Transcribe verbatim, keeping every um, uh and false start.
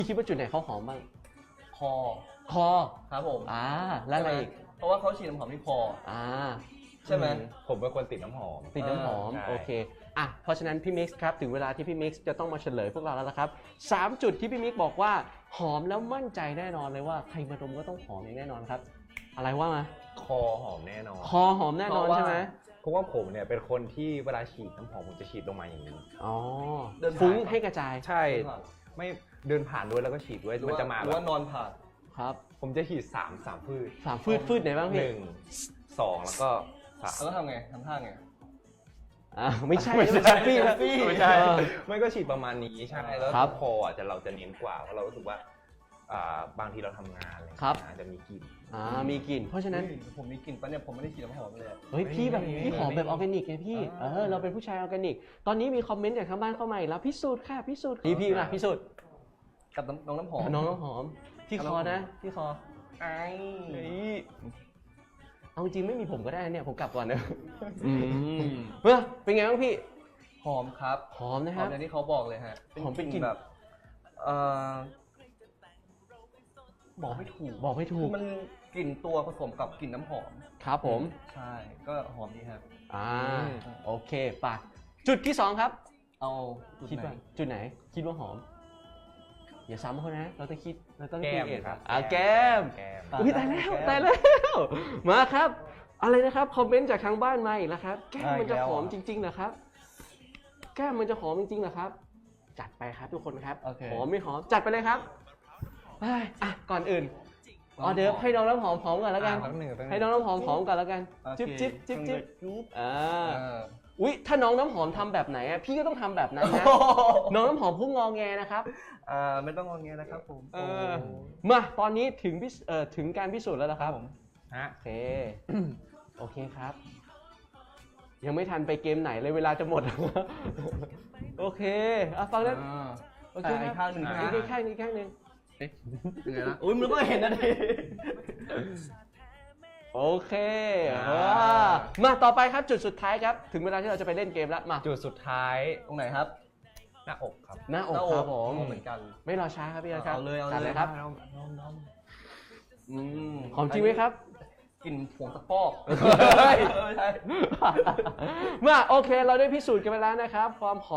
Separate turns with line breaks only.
พี่คิดว่าจุดไหนเขาหอมบ้าง
คอ
คอ
ครับผม
อ่าแล้วอะไรอีก
เพราะว่าเขาฉีดน้ำหอมที่คอ
อ่า
ใช่ไหม
ผมเป็นคนติดน้ำหอม
ติดน้ำหอม
ใช่
โอเคอ่ะเพราะฉะนั้นพี่มิกซ์ครับถึงเวลาที่พี่มิกซ์จะต้องมาเฉลยพวกเราแล้วละครับสามจุดที่พี่มิกซ์บอกว่าหอมแล้วมั่นใจแน่นอนเลยว่าใครมาดมก็ต้องหอมอย่างแน่นอนครับ อะไรว่ามา
คอหอมแน่นอน
คอหอมแน่นอนใช่ไหม
เพราะว่าผมเนี่ยเป็นคนที่เวลาฉีดน้ำหอมผมจะฉีดลงมาอย่างนี้
อ๋อ
เดินผ่าน
ฟุ้งให้กระจาย
ใช่ไม่เดินผ่านด้วยแล้วก็ฉีดด้วยมันจะมา
ห
แบ
รือบ ว่านอนผ่าน
ครับ
ผมจะฉีดสามสามพืช
สามฟืดฟืดไหนบ้าง
ห
พี่
นึ่งสองแล้วก็สาม
แล้วก็ทำไงทำท่าไง
อ่าไม่ใช่
ไม่ใช่
แฮปปี้แฮปปี้
ไม่ใช่
เออ
ไม่ก็ฉีดประมาณนี้ใช่แล้ว
ครับ
คออ่ะจะเราจะเน้นกว่าเพราะเรารู้สึกว่าอ่าบางทีเราทำงานอะไรอย่าง
ครั
เงี้
บ
ยอาจจะมีกลิ่น
อ่ามีกลิ่นเพราะฉะนั้น
เฮ้ยผมมีกลิ่นปะเนี่ยผมไม่ได้ฉีดน้ำหอมเลยอะ
เฮ้ยพี่แบบ
ไม่มี
พี่หอมแบบออร์แกนิกไงพี่
อ่า
เออเราเป็นผู้ชายออร์แกนิก ตอนนี้มีคอมเมนต์จากทางบ้านเข้ามาอีกแล้วพิสูจน์ค่ะพิสูจน์พี่พี่มาพิสูจน์
กับน้ำน้องน้ำหอม
น้องน้ำหอมที่คอนะที่คอ
ไอ้
เฮ้ย
เอาจริงไม่มีผมก็ได้เนี่ยผมกลับก่อนนะอืมเฮ้ยเป็นไงบ้างพี่
หอมครับ
หอมนะ
ห
ค
อ
รั
ม
บ
อย่างที่เขาบอกเลยฮะ
หอมเป็นกลิ่น
แบบเอ่อบอกไม่ถูก
บอกไม่ถู
คื
ก
อมันกลิ่นตัวผสมกับกลิ่นน้ำหอม
ครับผม
ใช่ก็หอมดีครับ
อ่าโอเคไป่ะจุดที่สองครับ
เอาจุด
คิด
ไหน
ว่าจุดไหน คิดว่าหอม อย่าซ้ำเขานะ เราต้องคิดเราต้อง
แก้ม
คิดเอง
ครับ
อ่าแก้ม
แก้ม
อุ้ยตายแล้วตายแล้ว มาครับ อะไรนะครับคอมเมนต์จากทางบ้านมาอีกแล้วครับ แก้มมันจะหอมจริงๆเหรอครับ แก้มมันจะหอมจริงๆเหรอครับ จัดไปครับทุกคนครับ
โอเค
หอมไม่หอมจัดไปเลยครับเอ้ยอ่ะก่อนอื่นอ๋อเดี๋ยวให้น้องน้ำหอมหอมก่อนแล้วกัน
อ่าแป๊บหนึ่งแป๊บหนึ่ง
ให้น้องน้ำหอมหอมก่อนแล้วกัน
โอเค
จิ๊บจิ๊บจิ๊บจิ๊บ
จุ๊บ
อ่า
เออ
อุ๊ยถ้าน้องน้ำหอมทำแบบไหนอะพี่ก็ต้องทำแบบนั้นนะ น้องน้ำหอมพุ่งงอแงนะครับ
อ่าไม่ต้องงอแงนะครับผม
เออ มาตอนนี้ถึงพิสเอ่อถึงการพิสูจน์แล้วนะครับ
ฮะ
โอเค โอเคครับ ยังไม่ทันไปเกมไหนเลยเวลาจะหมด โอเคอ่ะฟังนั้น
อ่า
โอเค
อ่ะอีกข้างหนึ่ง
อีก
ใช่ไหม
อีกข้างหนึงอีกข้างหนึง
ยังไงนะอุ้ยมันก็เห็นนะดิ
โอเค
อ่า
อ่ามาต่อไปครับจุดสุดท้ายครับ ถึงเวลาที่เราจะไปเล่นเกมแล้วมา
จุดสุดท้าย
ตรงไหนครับ
หน้าอกครับ
หน้าอกครับผม
เหมือนกัน
ไม่รอช้าครับพี่อาร์ตครับ
เอาเลยเอาเลย
จัดเลยครับ
อืม
หอมจริงไหมครับ
กลิ่นผงตะปอก
เฮ้ย
เออใช่
มาโอเค เราได้พิสูจน์กันไปแล้วนะครับความหอม